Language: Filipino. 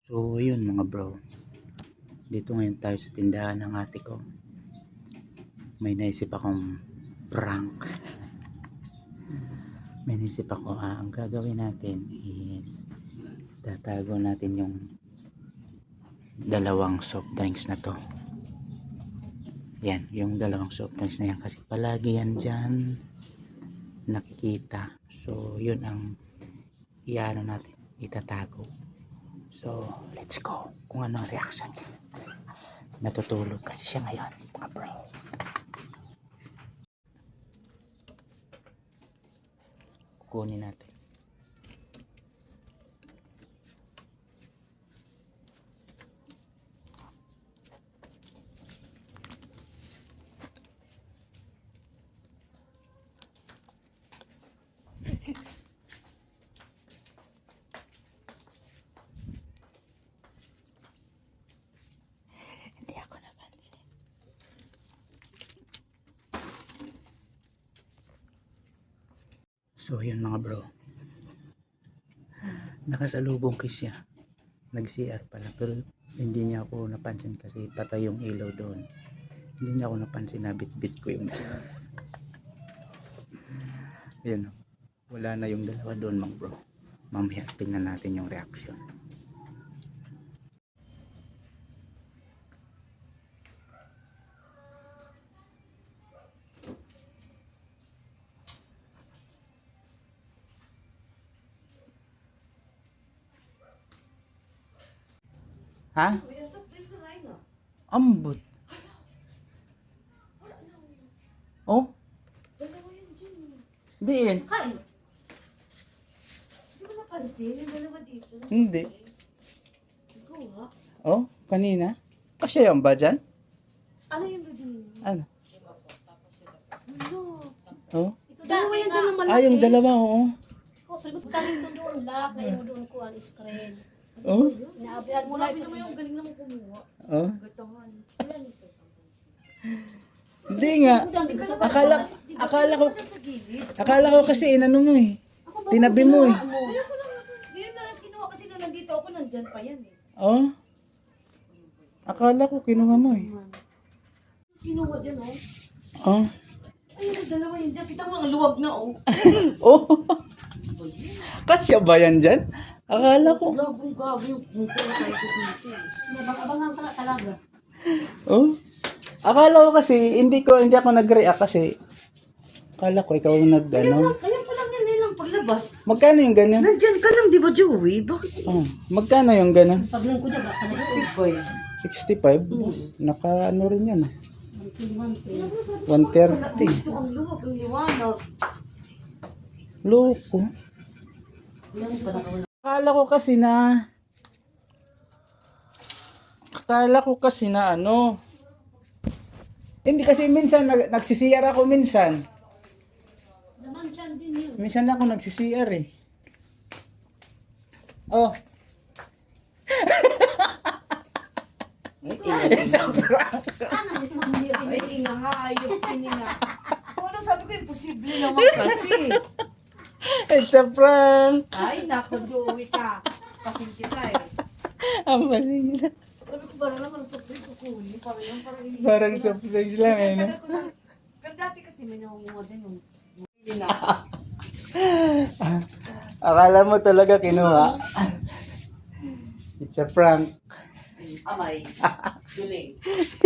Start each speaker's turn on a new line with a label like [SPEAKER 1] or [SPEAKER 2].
[SPEAKER 1] So yun mga bro, dito ngayon tayo sa tindahan ng ate ko. May naisip akong prank. May naisip ako, ang gagawin natin is tatago natin yung dalawang soft drinks na to. Yan, yung dalawang soft drinks na yan kasi palagi yan dyan nakikita. So yun ang iano natin, itatago. So let's go kung ano ang reaction niya. Natutulog kasi siya ngayon mga bro. Kukunin natin. Hindi ako napansin. So yun mga bro, nakasalubong ko siya, nag-CR pala, pero hindi niya ako napansin kasi patay yung ilaw doon. Hindi niya ako napansin na bit-bit ko yung yun, wala na yung dalawa doon mga bro. Mamaya tingnan natin yung reaction. Ha? Ambot. Oh? Hindi yan.
[SPEAKER 2] Kain. Hindi mo napansin yung dalawa dito?
[SPEAKER 1] Hindi.
[SPEAKER 2] Ikaw ha?
[SPEAKER 1] Oh, kanina? Kasi yan ba dyan?
[SPEAKER 2] Ano yung dito?
[SPEAKER 1] Ano?
[SPEAKER 2] Ano?
[SPEAKER 1] Oh?
[SPEAKER 2] Dalawa yan dyan ng malaki.
[SPEAKER 1] Ah, yung dalawa, oo.
[SPEAKER 3] Oh, pero galing to doon lock, ngayon doon ko ang screen.
[SPEAKER 1] Oh?
[SPEAKER 3] Naabihan mo lang
[SPEAKER 2] Grabe
[SPEAKER 3] ito.
[SPEAKER 2] naman yung galing naman kumuha.
[SPEAKER 1] Oh?
[SPEAKER 2] Gatangan.
[SPEAKER 1] Hindi nga. Akala ko
[SPEAKER 2] Sa gilid.
[SPEAKER 1] Akala ko kasi inano mo eh. Tinabi mo eh.
[SPEAKER 2] Kaya ko lang, ngayon na lang kinuha kasi nung nandito ako, nandyan pa yan eh.
[SPEAKER 1] Oh? Akala ko kinuha mo eh.
[SPEAKER 2] Kinuha dyan oh.
[SPEAKER 1] Oh?
[SPEAKER 2] Ayun ang dalawa yun dyan. Kita mo ang luwag na oh.
[SPEAKER 1] Oh? Kasya ba yan dyan? Akala ko.
[SPEAKER 2] Gagong gago yung mukha sa ito dito eh.
[SPEAKER 3] Abangan ka na talaga.
[SPEAKER 1] Oh? Akala ko kasi hindi ako nag-react kasi akala ko ikaw ang nag-ano.
[SPEAKER 2] Kaya pa lang yan, yun lang paglabas.
[SPEAKER 1] Magkano yung ganyan?
[SPEAKER 2] Nandyan ka lang, di ba Joey? Bakit?
[SPEAKER 1] Oh, magkano yung ganyan?
[SPEAKER 3] Paglang ko dyan, baka
[SPEAKER 1] 65? Naka ano rin yun ah.
[SPEAKER 3] 120.
[SPEAKER 1] 130.
[SPEAKER 2] Ito ang luwag, ang liwanag.
[SPEAKER 1] Loko.
[SPEAKER 2] Yan pa na
[SPEAKER 1] Akala ko kasi na ano. Hindi kasi minsan nagsisiyar ako minsan.
[SPEAKER 3] Naman dyan din yun.
[SPEAKER 1] Minsan ako nagsisiyar eh. Oh. It's a prank.
[SPEAKER 2] Ay, ingahayop, hininga. Ano sabi ko, imposible naman kasi.
[SPEAKER 1] It's a prank.
[SPEAKER 2] Ay, naku, Joey ka. Kasing kita eh.
[SPEAKER 1] Ang pasingil.
[SPEAKER 2] Sabi ko, parang naman sa play ko kunin. Parang yan, parang hindi.
[SPEAKER 1] Parang surprise lang eh. No?
[SPEAKER 2] Pero dati kasi may nangunguha din yung hindi na.
[SPEAKER 1] Akala mo talaga kinuha. It's a prank.
[SPEAKER 2] Amay. Duling.